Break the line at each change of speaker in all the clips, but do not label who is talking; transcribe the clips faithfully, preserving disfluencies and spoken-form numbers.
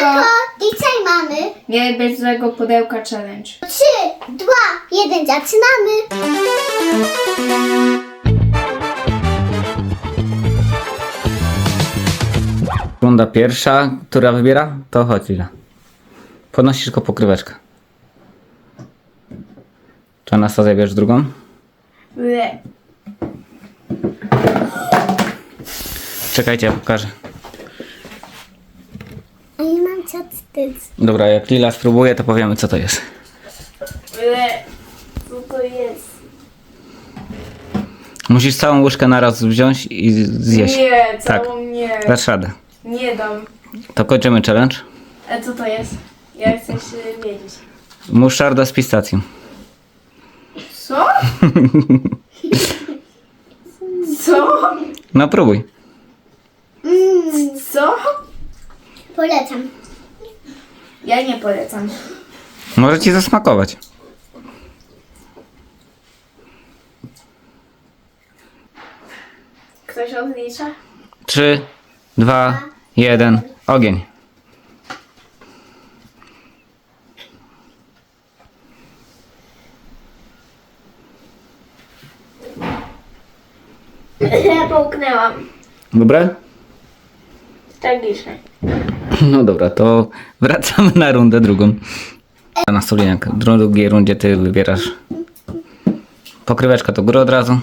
Pudełko. Dzisiaj mamy.
Nie bez złego pudełka challenge.
Trzy, dwa, jeden, zaczynamy.
Runda pierwsza, która wybiera? To chodź, Lila. Podnosisz tylko pokryweczkę. Czy Anastazja bierz drugą?
Ble.
Czekajcie, ja pokażę.
A nie mam co wstyd.
Dobra, jak Lila spróbuje, to powiemy, co to jest.
Ble. Co to jest?
Musisz całą łyżkę naraz wziąć i zjeść.
Nie,
Tak.
całą nie.
Dasz radę.
Nie dam.
To kończymy challenge.
A co to jest? Ja chcę się wiedzieć.
Muszarda z pistacją.
Co? Co?
No próbuj.
Mmm,
Co?
polecam.
Ja nie polecam.
Może ci zasmakować.
Ktoś odlicza?
Trzy, dwa, jeden, ogień.
Ja połknęłam.
Dobre?
Tragicznie.
No dobra, to wracamy na rundę drugą. Na stolinek. W drugiej rundzie ty wybierasz. Pokryweczka to góra od razu.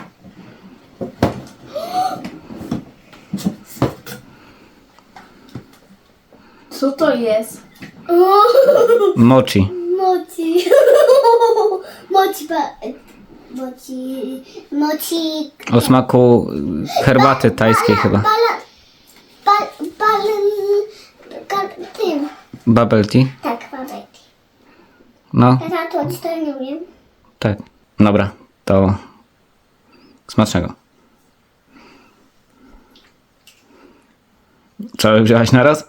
Co to jest?
Mochi.
Moci. Moci. ba- Moci. Moci.
O smaku herbaty tajskiej chyba.
Bala. Bal. Bal. Bal. Tym.
Bubble tea.
Tak, babek.
No,
Ja to odstawię, nie?
tak. Dobra, to smacznego. Cały wziąłaś naraz?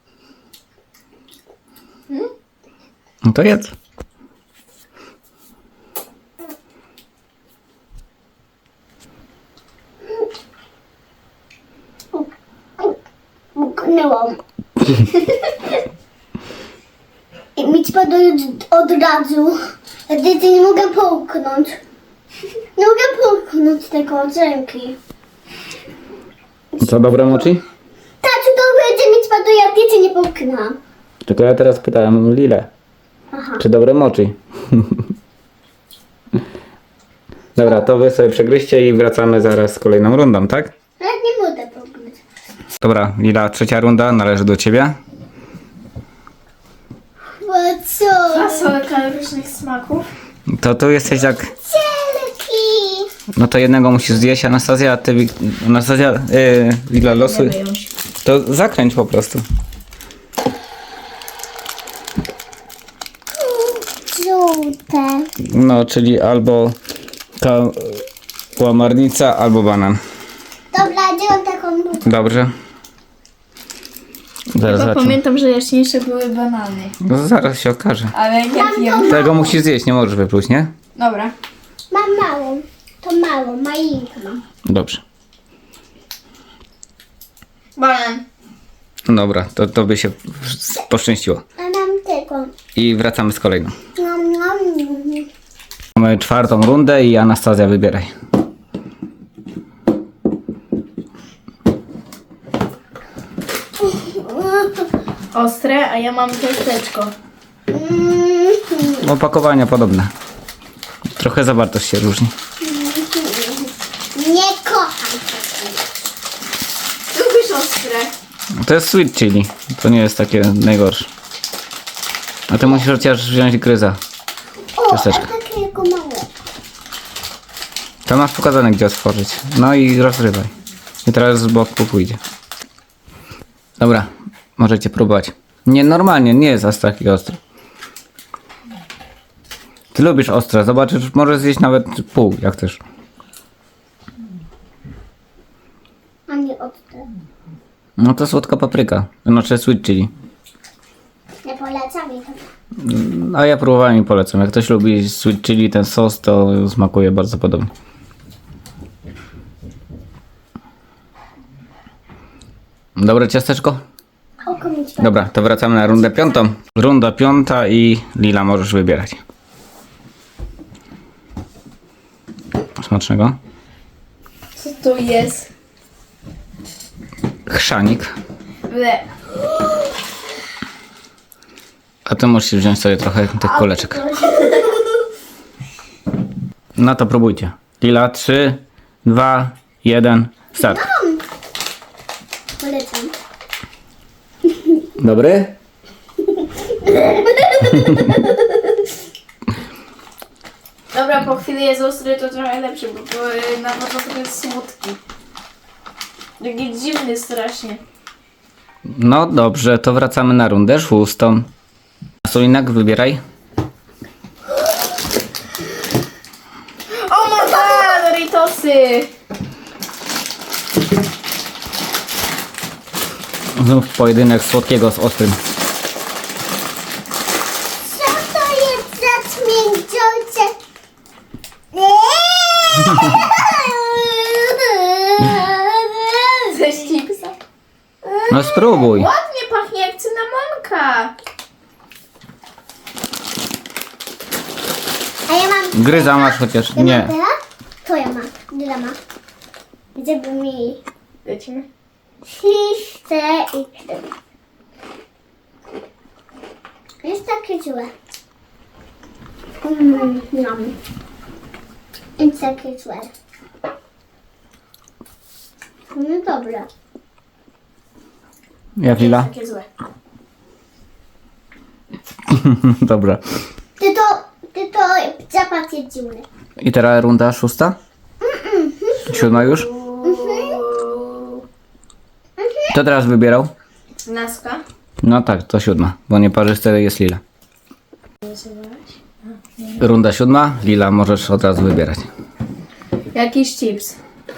No to jedz.
Mknęłam. I mi ci padło od razu. Ja ty nie mogę połknąć. Nie mogę połknąć tego z ręki.
Co, dobre mochi?
Tasiu, to będzie mi spadło, ja wiecie nie połknęłam.
Tylko ja teraz pytałem Lilę,
Aha.
czy dobre mochi. Dobra, to wy sobie przegryźcie i wracamy zaraz z kolejną rundą, tak?
Ale nie mogę połknąć.
Dobra, Lila, trzecia runda należy do ciebie.
Bo co?
Fasolka różnych smaków.
To tu jesteś jak...
Cielki.
No to jednego musisz zjeść, Anastazja, a ty... Wik- Anastazja, yy, Lila, losuj.
Wyjąć.
To zakręć po prostu.
Żółte.
No, czyli albo ta łamarnica, albo banan.
Dobra, dzielam taką budę.
Dobrze. Zaraz
Chyba
zobaczymy.
pamiętam, że jaśniejsze były banany.
No, zaraz się okaże.
Ale nie wiem.
Tego musisz zjeść, nie możesz wypluć, nie?
Dobra.
Mam małą. To małą, malinką mam.
Dobrze.
Banan.
Dobra, to, to by się poszczęściło.
A mam tylko.
I wracamy z kolejną.
Nom, nom, nom.
Mamy czwartą rundę i Anastazja, wybieraj.
Ostre, a ja mam ciasteczko.
Mm,
Opakowania podobne. Trochę zawartość się różni.
Nie kocham tego.
Lubisz ostre.
To jest sweet chili. To nie jest takie najgorsze. A ty musisz chociaż wziąć gryza.
O, a
Ciasteczko.
takiego małego.
To masz pokazane, gdzie otworzyć. No i rozrywaj. I teraz z boku pójdzie. Dobra, możecie próbować. Nie, normalnie, nie jest aż taki ostry. Ty lubisz ostre, zobaczysz, możesz zjeść nawet pół, jak chcesz.
A nie ostre.
No to słodka papryka, znaczy sweet chili.
Nie polecam mi to.
A ja próbowałem i polecam. Jak ktoś lubi sweet chili, ten sos, to smakuje bardzo podobnie. Dobre ciasteczko?
Oko mieć pa.
Dobra, to wracamy na rundę piątą. Runda piąta i Lila możesz wybierać. Smacznego.
Co to jest?
Chrzanik.
Ble.
A ty musisz wziąć sobie trochę tych kuleczek. No to próbujcie. Lila, trzy, dwa, jeden, start.
Polecam.
Dobry?
Dobra, po chwili jest ostry, to trochę lepszy, bo bo na początku jest słodki. Taki dziwny strasznie.
No dobrze, to wracamy na rundę szóstą. Solinak, wybieraj.
O my god, Doritosy!
Znów pojedynek słodkiego z ostrym.
Co to jest za śmierdzące?
Ze chipsa.
No spróbuj.
Ładnie pachnie jak cynamonka.
A ja mam...
Gryza masz chociaż.
Ja mam
Nie.
teraz? To ja mam. Dyla ma. Żeby mi...
Lecimy.
Chce i krem. Jest takie złe. Mmm, yum. Jest takie złe. No dobra.
Jak Lila?
Takie złe.
Dobra.
Ty to... Ty to zapach jest dziwny.
I teraz runda szósta? Siódma już? Kto teraz wybierał?
Naska.
No tak, to siódma, bo nie parzyste jest Lila. Runda siódma, Lila możesz od razu wybierać.
Jakiś chips.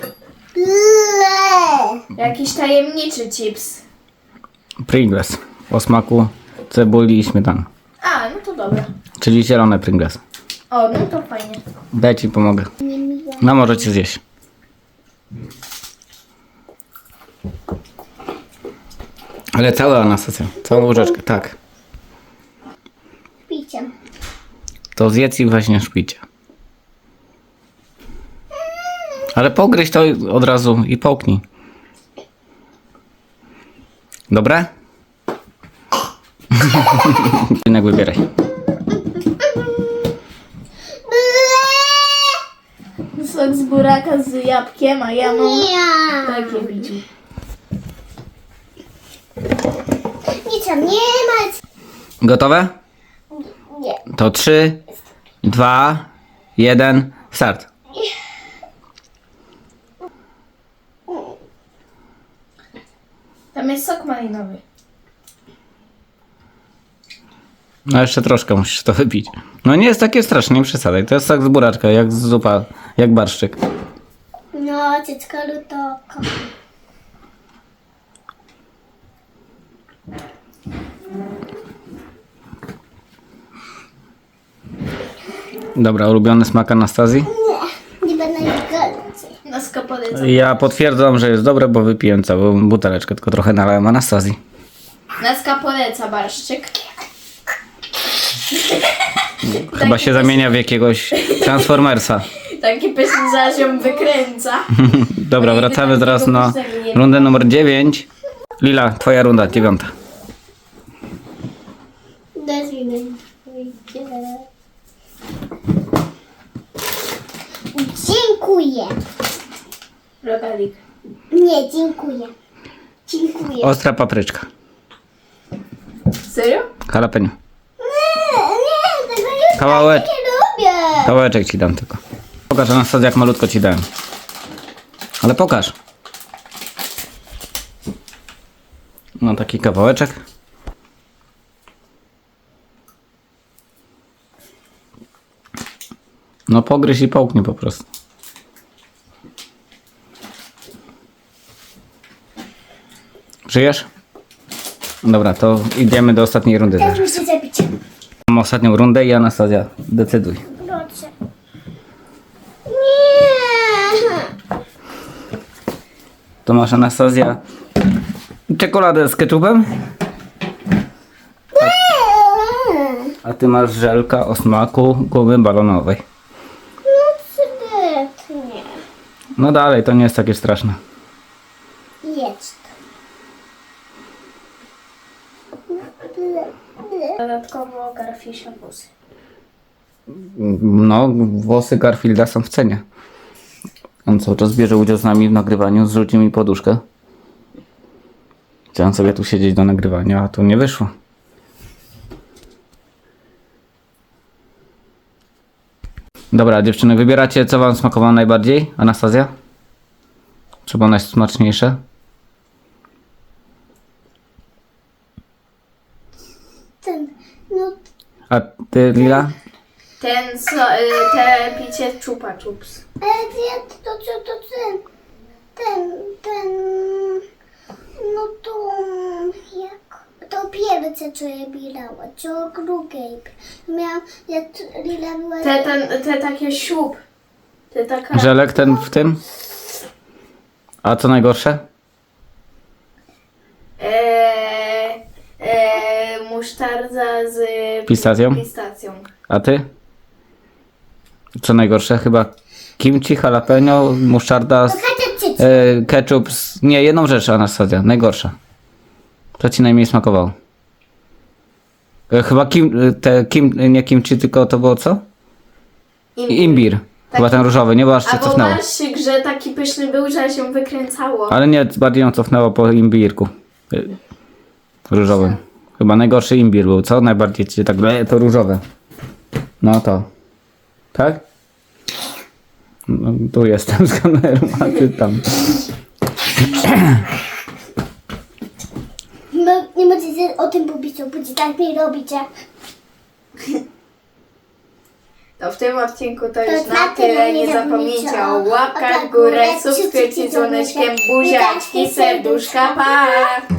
Ble.
Jakiś tajemniczy chips.
Pringles o smaku cebuli i śmietany.
A, no to dobra.
Czyli zielone Pringles.
O, no to fajnie.
Daj ci pomogę. No możecie zjeść. Ale całe Anastasia, całą łyżeczkę, tak.
Picie.
To zjedz i właśnie szpicie. Ale pogryź to od razu i połknij. Dobre? Jednak wybieraj.
Sok z buraka z jabłkiem, a ja mam
Ja.
takie biciu.
Nic tam nie ma.
Gotowe?
Nie.
To trzy, dwa, jeden, start.
Tam jest sok malinowy.
No jeszcze troszkę musisz to wypić. No nie jest takie straszne, nie przesadzaj. To jest sok z buraczka, jak z zupa, jak barszczyk.
No, dziecko lutoko.
Dobra, ulubiony smak Anastazji?
Nie, nie będę ich golić.
Naska polecam.
Ja potwierdzam, że jest dobre, bo wypiłem całą buteleczkę, tylko trochę nalałem Anastazji.
Naska poleca barszczyk.
Chyba się zamienia w jakiegoś Transformersa.
Taki pyszny zaś ją wykręca.
Dobra,
Ojej,
wracamy
takiego
teraz na
pysznego nie
rundę numer dziewięć. Lila, twoja runda, dziewiąta.
Nazwijmy. Dziękuję.
Rogalik.
Nie, dziękuję. Dziękuję.
Ostra papryczka.
Serio?
Jalapeno.
Nie, nie, tego już
Kawałek.
nie lubię.
Kawałeczek ci dam tylko. Pokaż Anastazja, jak malutko ci dałem. Ale pokaż. No taki kawałeczek. No pogryź i połknij po prostu. Żyjesz? Dobra, to idziemy do ostatniej rundy
Też
teraz.
muszę zabić.
Mam ostatnią rundę i Anastazja, decyduj.
Proszę. Nie.
To masz Anastazja Czekoladę z ketchupem? A ty masz żelka o smaku gumy balonowej.
No świetnie.
No dalej, to nie jest takie straszne.
Jest. Ble, ble.
Dodatkowo Garfisia włosy.
No, włosy Garfielda są w cenie. On cały czas bierze udział z nami w nagrywaniu, zrzucił mi poduszkę. Chciałem sobie tu siedzieć do nagrywania, a tu nie wyszło. Dobra, dziewczyny, wybieracie, co wam smakowało najbardziej? Anastazja? Czy było najsmaczniejsze?
Ten, no
A ty, Lila?
Ten, so, y, te picie Chupa Chups.
ale ja to, to, to ten, ten, ten, no to jak, to pierwsze, co ja bierała, co drugie. Miałam, jak Lila była...
Te, ten, te takie siup. Te taka...
Żelek ten w tym? A co najgorsze?
Eee, eee, musztarda z
Pistacją?
pistacją.
A ty? Co najgorsze? Chyba kimchi, jalapeno, musztarda, z,
Kasia cyc.
e, ketchup. Z, nie, jedną rzecz, Anastazja, najgorsza. Co ci najmniej smakowało? E, chyba kim, e, te, kim, nie kimchi, tylko to było co?
Imbir.
Imbir. Chyba ten różowy, nie? Bo aż się
Albo
cofnęło.
marszyk, że taki pyszny był, że się wykręcało.
Ale nie, bardziej ją cofnęło po imbirku. E, różowym. Chyba najgorszy imbir był, co? Najbardziej ci tak, e, to różowe. No to. Tak? No, tu jestem z kamerą, a ty tam.
No, nie możecie o tym mówić, bo tak mi robicie.
To w tym odcinku to
To
już
na
na tyle. Nie zapomnijcie o łapkach w górę, subskrypcji, dzwoneczkiem, buziaczki, serduszka, pa!